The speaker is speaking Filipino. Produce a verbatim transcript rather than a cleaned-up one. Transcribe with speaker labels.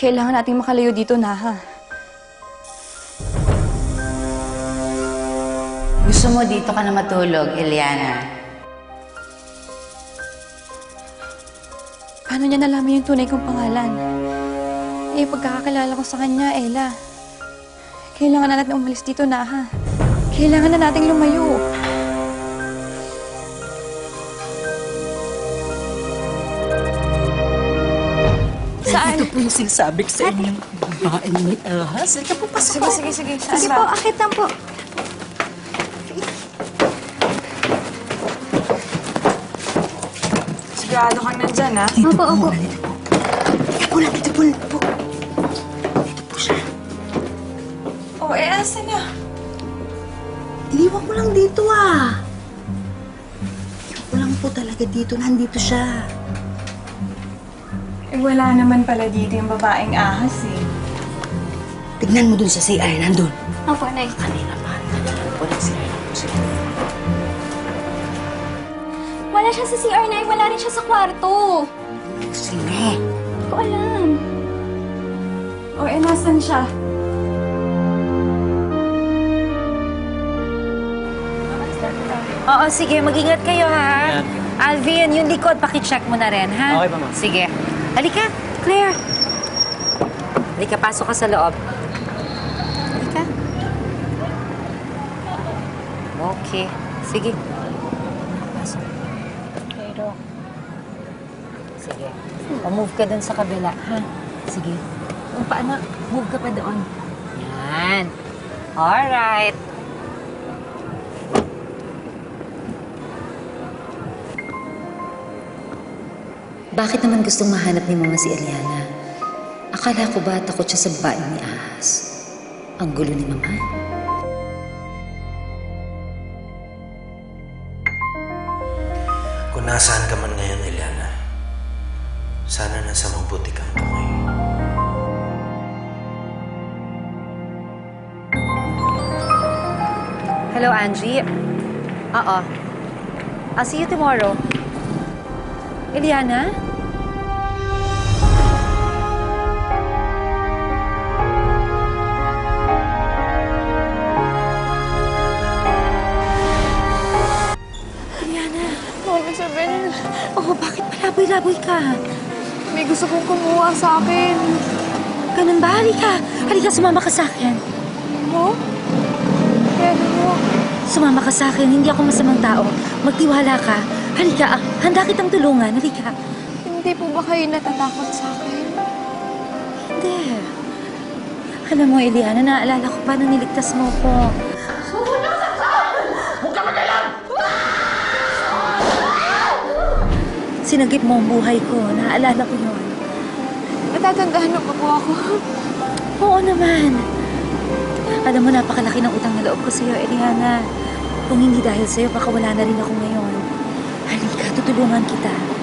Speaker 1: Kailangan nating makalayo dito na, ha?
Speaker 2: Gusto mo dito ka na matulog, Eliana?
Speaker 1: Paano niya nalaman yung tunay kong pangalan? Eh, pagkakakilala ko sa kanya, Ella. Kailangan na natin umalis dito na, ha? Kailangan na nating lumayo. Saan?
Speaker 3: Ito po yung sinasabi ko sa inyong babaeng may ahas. Ito po, pasok
Speaker 1: Sige, sige, sige. Saan
Speaker 4: Sige
Speaker 1: ba?
Speaker 4: po, akit lang po.
Speaker 1: Sigurado kang nandyan, ha?
Speaker 4: Opo, opo.
Speaker 3: Dito po lang, dito po lang po. Dito po siya.
Speaker 1: Oh, eh, asan na?
Speaker 3: Iniwan ko lang dito ah. Iniwan ko lang po talaga dito. Nandito siya.
Speaker 1: Eh, wala naman pala dito yung babaeng ahas, eh.
Speaker 3: Tignan mo dun sa C I. Nandun.
Speaker 4: Opo, Nay.
Speaker 3: Kanina pa. Walang C I.
Speaker 4: Wala siya sa C R, Nay. Wala rin siya sa kwarto.
Speaker 3: Sino?
Speaker 4: Hindi ko alam.
Speaker 1: Oh, eh, nasan siya?
Speaker 5: Oo, sige. Mag-ingat kayo, ha? Alvin, yung likod, pakicheck mo na rin, ha?
Speaker 6: Okay pa, ma'am.
Speaker 5: Sige. Halika, Claire. Halika, pasok ka sa loob. Halika. Okay. Sige. Pasok. Pero... Sige. O, move ka dun sa kabila, ha? Sige. O, paano? Move ka pa doon. Yan. Alright.
Speaker 7: Bakit naman gustong mahanap ni Mama si Eliana? Akala ko ba takot siya sa babaeng ni Ahas? Ang gulo ni Mama.
Speaker 8: Kung nasaan ka man ngayon, Eliana, sana nasa mabuti kang kamay.
Speaker 5: Hello, Angie. Oo. I'll see you tomorrow. Eliana?
Speaker 1: Eliana, Mama Isabel.
Speaker 5: Oh, bakit palaboy-laboy ka?
Speaker 1: May gusto kong kumuha sa akin.
Speaker 5: Ganun ba? Halika. Halika, sumama ka sa akin.
Speaker 1: Mo? Pero mo.
Speaker 5: Sumama ka sa akin. Hindi ako masamang tao. Magtiwala ka. Halika, ah, handa kitang tulungan. Halika.
Speaker 1: Hindi po ba kayo natatakot sa akin?
Speaker 5: Hindi. Alam mo, Eliana, naalala ko paano niligtas mo ko. Sinagip mo ang buhay ko. Naalala ko yun.
Speaker 1: Natatandaan mo pa po ako.
Speaker 5: Oo naman. Alam mo, napakalaki ng utang na loob ko sa'yo, Eliana. Kung hindi dahil sa'yo, baka wala na rin ako ngayon. Halika, tutulungan kita.